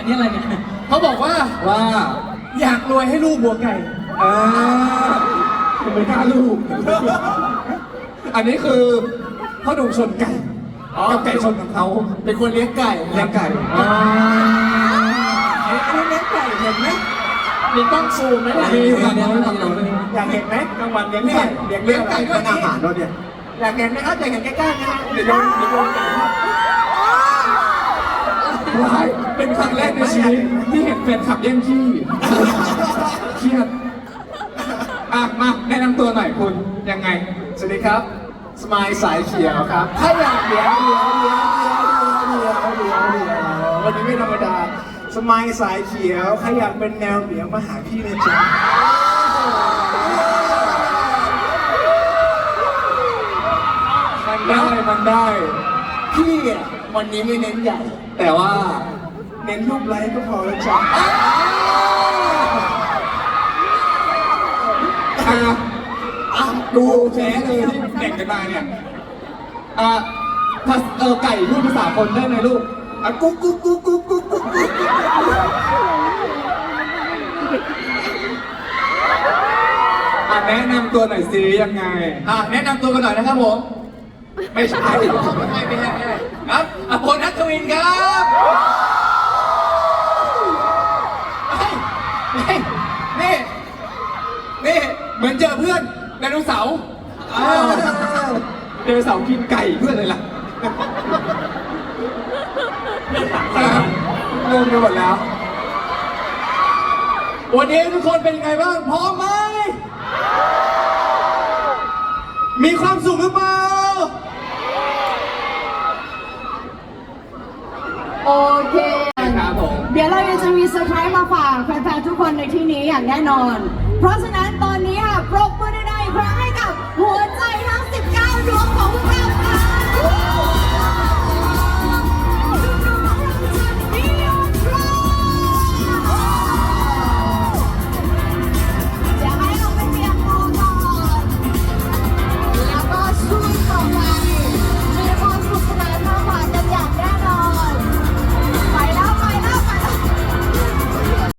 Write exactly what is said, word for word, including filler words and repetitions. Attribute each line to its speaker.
Speaker 1: นนี้อะไรเนี่ย
Speaker 2: เขาบอกว่า
Speaker 3: ว่า
Speaker 2: อยากรวยให้ลูกบัวไก่
Speaker 3: อ่าไม่กล้าลูก อันนี้คือพ่อหนุ่มชนไก่กับไก่ชนของเขา
Speaker 2: เป็นคนเลี้ยงไก่
Speaker 3: เลี้ยงไก่อ่า
Speaker 2: เอ้ยอันนี้เลี้ยงไก่เห็นไหมมีกล้องซูมไหมล่ะ
Speaker 3: มีอยู่นะไม่ทำเลย
Speaker 2: อยากเห็นไหมกลางวันเลี้ยงไก่เลี้ยงเลี้ยงไก่ด้วย
Speaker 3: เป็นอาหารด้วยเนี่ย
Speaker 2: อยากเห็นไหมครับอยากเห็นใกล้ๆนะฮะเดี๋ยวโยนเดี๋ยวโยนไก่ครับ
Speaker 3: ว้ายเป็นครั้งแรกในชีวิตที่เห็นแฟนคลับแย่งที่เครียดอ่ะมาแนะนำตัวหน่อยคุณยังไง
Speaker 2: สวัสดีครับสมายสายเขียวครับถ้าอยากเลี้ยงเลี้ยงเลี้ยงเลี้ยงเลี้ยงเลี้ยงเลี้ยงเลี้ยงวันนี้ไม่ธรรมดาสมายสายเขียวใครอยากเป็นแนวเหนียวมาหาพี่นะจ๊ะ
Speaker 3: มันได้มันได้
Speaker 2: พี่อ่ะวันนี้ไม่เน้นใหญ่
Speaker 3: แต่ว่า
Speaker 2: เน้นรูปไลค์ก็พอแล้วจ้ะ
Speaker 3: อ่ะอ่ะดูแพ้เลยที่แข่งกันมาเนี่ยอ่ะภาษาเออไก่พูดภาษาคนได้ไหมลูกอ่ะกุ๊กกุ๊กกุ๊กกุ๊กกุ๊กกุ๊กกุ๊กอ่ะแนะนำตัวหน่อยสิยังไง
Speaker 2: อ่ะแนะนำตัวกันหน่อยนะครับผม
Speaker 3: ไม่ใช่
Speaker 2: ไม่ให้ไม่ให้ไม่ให้ครับอภพลนัทวินครับเฮ้ยนี่นี่นี่เหมือนเจอเพื่อนไดโนเสาร์
Speaker 3: อ้าวเดวเสาร์กินไก่เพื่อนเลยล่ะเริ่มไปหมดแล้ว
Speaker 2: วันนี้ทุกคนเป็นยังไงบ้างพร้อมไหมมีความสุขหรือเปล่า
Speaker 4: โอเค
Speaker 3: ครับผม
Speaker 4: เดี๋ยวเรายังจะมีเซอร์ไพรส์มาฝากแฟนๆทุกคนในที่นี้อย่างแน่นอน เพราะฉะนั้นตอนนี้ค่ะปรบมือได้ๆอีกครั้งให้กับหัวใจทั้ง สิบเก้า ดวงของพวกเรา